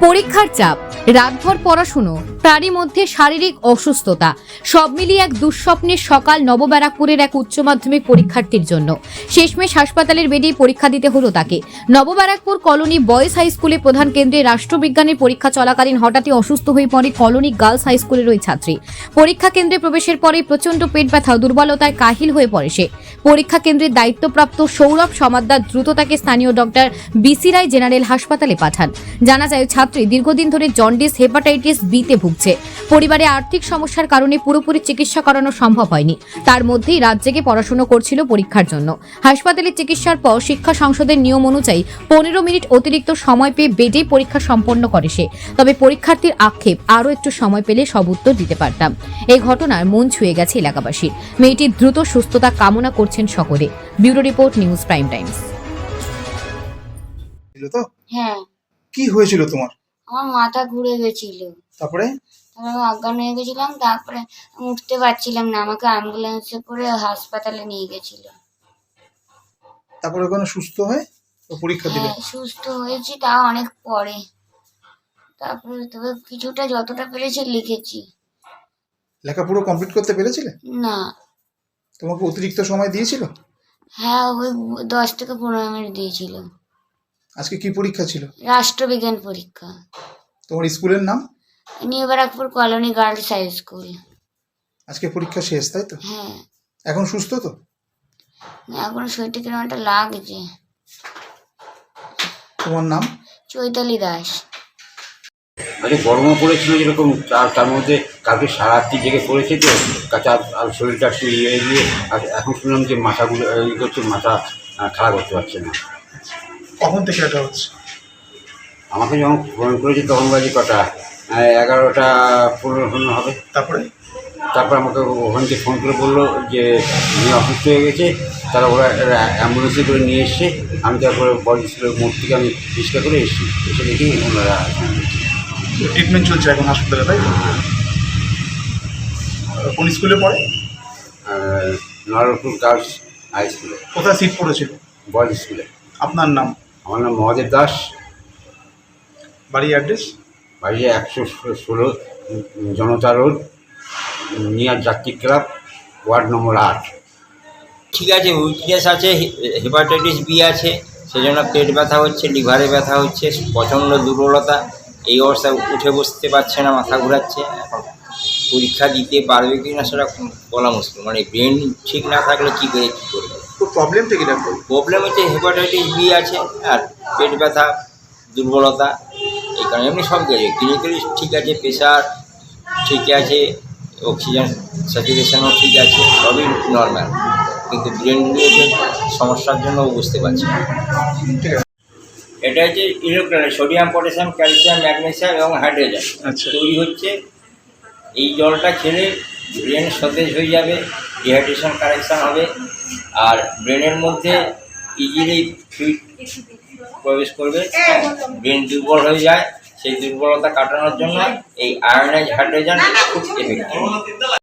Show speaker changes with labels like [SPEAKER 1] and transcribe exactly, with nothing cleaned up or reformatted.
[SPEAKER 1] পরীক্ষার চাপ, রাতভর পড়াশুনো, তারই মধ্যে শারীরিক অসুস্থতা, সব মিলিয়ে এক দুঃস্বপ্নের সকাল নবব্যারাকপুরের এক উচ্চ মাধ্যমিক পরীক্ষার্থীর জন্য। শেষমেশ হাসপাতালের বেডেই পরীক্ষা দিতে হলো তাকে। নবব্যারাকপুর কলোনি বয়েজ হাই স্কুলে প্রধান কেন্দ্রে রাষ্ট্রবিজ্ঞানের পরীক্ষা চলাকালীন হঠাৎই অসুস্থ হয়ে পড়ে কলোনি গার্লস হাই স্কুলের ওই ছাত্রী। পরীক্ষা কেন্দ্রে প্রবেশের পরে প্রচন্ড পেট ব্যথা, দুর্বলতায় কাহিল হয়ে পড়ে সে। পরীক্ষা কেন্দ্রের দায়িত্বপ্রাপ্ত সৌরভ সমাদ্দার দ্রুত তাকে স্থানীয় ডক্টর বিসি রায় জেনারেল হাসপাতালে পাঠান। জানা যায় ছাত্রী দীর্ঘদিন ধরে জন্ডিস হেপাটাইটিস বিতে ভুগছে। পরিবারে আর্থিক সমস্যার কারণে পুরোপুরি চিকিৎসা করানো সম্ভব হয়নি। তার মধ্যেই রাত জেগে পড়াশোনা করছিল পরীক্ষার জন্য। হাসপাতালে চিকিৎসার পর শিক্ষা সংসদের নিয়ম অনুযায়ী পনেরো মিনিট অতিরিক্ত সময় পেয়ে বেডেই পরীক্ষা সম্পন্ন করে সে। তবে পরীক্ষার্থীর আক্ষেপ, আরও একটু সময় পেলে সব উত্তর দিতে পারতাম। এই ঘটনার মন ছুঁয়ে গেছে এলাকাবাসীর। মেয়েটির দ্রুত সুস্থতা কামনা করছেন সকলে। Bureau report, news prime times.
[SPEAKER 2] তো
[SPEAKER 3] হ্যাঁ,
[SPEAKER 2] কি হয়েছিল তোমার?
[SPEAKER 3] আমার মাথা ঘুরে গেছিল,
[SPEAKER 2] তারপরে
[SPEAKER 3] তারপরে আমি অজ্ঞান হয়ে গেছিলাম। তারপরে আমি উঠতে পারছিলাম না, আমাকে অ্যাম্বুলেন্সে করে হাসপাতালে নিয়ে গেছিল।
[SPEAKER 2] তারপরে ওখানে সুস্থ হয়ে ও পরীক্ষা দিলে?
[SPEAKER 3] হ্যাঁ, সুস্থ হয়েছি, তাও অনেক পরে। তারপরে তবে কিছুটা যতটা পেরেছি লিখেছি।
[SPEAKER 2] লেখা পুরো কমপ্লিট করতে পেরেছিলে?
[SPEAKER 3] না।
[SPEAKER 2] তোমাকে অতিরিক্ত সময় দিয়েছিল?
[SPEAKER 3] হ্যাঁ, ওই দশ থেকে পনেরো মিনিট দিয়েছিল।
[SPEAKER 2] আজকে কি পরীক্ষা ছিল?
[SPEAKER 3] রাষ্ট্রবিজ্ঞান পরীক্ষা।
[SPEAKER 2] তোমার স্কুলের নাম?
[SPEAKER 3] New Barrackpore colony girls high school.
[SPEAKER 2] আজকে পরীক্ষা শেষ, তাই তো?
[SPEAKER 3] হ্যাঁ।
[SPEAKER 2] এখন সুস্থ তো?
[SPEAKER 3] এখন শরীরটা কিরকম একটা লাগছে।
[SPEAKER 2] তোমার নাম?
[SPEAKER 3] চৈতালি দাস।
[SPEAKER 4] আজকে গরমও পড়েছিল যেরকম, তার তার মধ্যে কালকে সারাত্রি জেগে পড়েছে তো, কাঁচা আর শরীরটা একটু ইয়ে দিয়ে, আর এখন শুনলাম যে মাথাগুলো ইয়ে করছে, মাথা খারাপ করতে পারছে না।
[SPEAKER 2] কখন থেকে এটা হচ্ছে?
[SPEAKER 4] আমাকে যখন ফোন করেছে তখন বাজে কটা, এগারোটা পনেরো পনেরো হবে।
[SPEAKER 2] তারপরে
[SPEAKER 4] তারপর আমাকে ওখান থেকে ফোন করে বললো যে উনি অসুস্থ হয়ে গেছে, তারা ওরা অ্যাম্বুলেন্সে করে নিয়ে এসছে। আমি তারপরে বড় স্কুলের মোড় থেকে আমি রিক্সা করে এসেছি, এসে দেখি ওনারা
[SPEAKER 2] ট্রিটমেন্ট চলছে এখন হাসপাতালে, তাই তো? কোন স্কুলে পড়ে?
[SPEAKER 4] নরপুর গার্লস হাই স্কুলে।
[SPEAKER 2] কোথায় সিট পড়েছিল?
[SPEAKER 4] বয়েজ স্কুলে।
[SPEAKER 2] আপনার নাম?
[SPEAKER 4] আমার নাম মহাদেব দাস।
[SPEAKER 2] বাড়ি অ্যাড্রেস?
[SPEAKER 4] বাড়ি একশো ষোলো Janata road, near Jatri club, ward number আট।
[SPEAKER 5] ঠিক আছে, উইকনেস আছে, হেপাটাইটিস বি আছে, সেজন্য পেট ব্যথা হচ্ছে, লিভারে ব্যথা হচ্ছে, প্রচণ্ড দুর্বলতা। এই অবস্থায় উঠে বসতে পারছে না, মাথা ঘোরাচ্ছে। এখন পরীক্ষা দিতে পারবে কি না সেটা বলা মুশকিল। মানে ব্রেন ঠিক না থাকলে কী করে কী করবে।
[SPEAKER 2] তো প্রবলেমটা কি ডাক্তার?
[SPEAKER 5] প্রবলেম হচ্ছে হেপাটাইটিস বি আছে আর পেট ব্যথা, দুর্বলতা, এই কারণে। এমনি সব কিছু ক্লিনিক্যালি ঠিক আছে, প্রেশার ঠিক আছে, অক্সিজেন স্যাচুরেশনও ঠিক আছে, সবই নর্মাল, কিন্তু ব্রেন রিলেটেড সমস্যার জন্য বুঝতে পারছি না।
[SPEAKER 2] ঠিক আছে।
[SPEAKER 5] এটা হচ্ছে electrolyte, sodium, potassium, calcium, magnesium এবং হাইড্রোজেন
[SPEAKER 2] আচ্ছা।
[SPEAKER 5] তৈরি হচ্ছে। এই জলটা খেলে ব্রেন সতেজ হয়ে যাবে, ডিহাইড্রেশন কারেকশান হবে, আর ব্রেনের মধ্যে ইজিলি ফ্লুইড প্রবেশ করবে। ব্রেন দুর্বল হয়ে যায়, সেই দুর্বলতা কাটানোর জন্য এই আয়োনাইজ হাইড্রোজেন খুব এফেক্টিভ।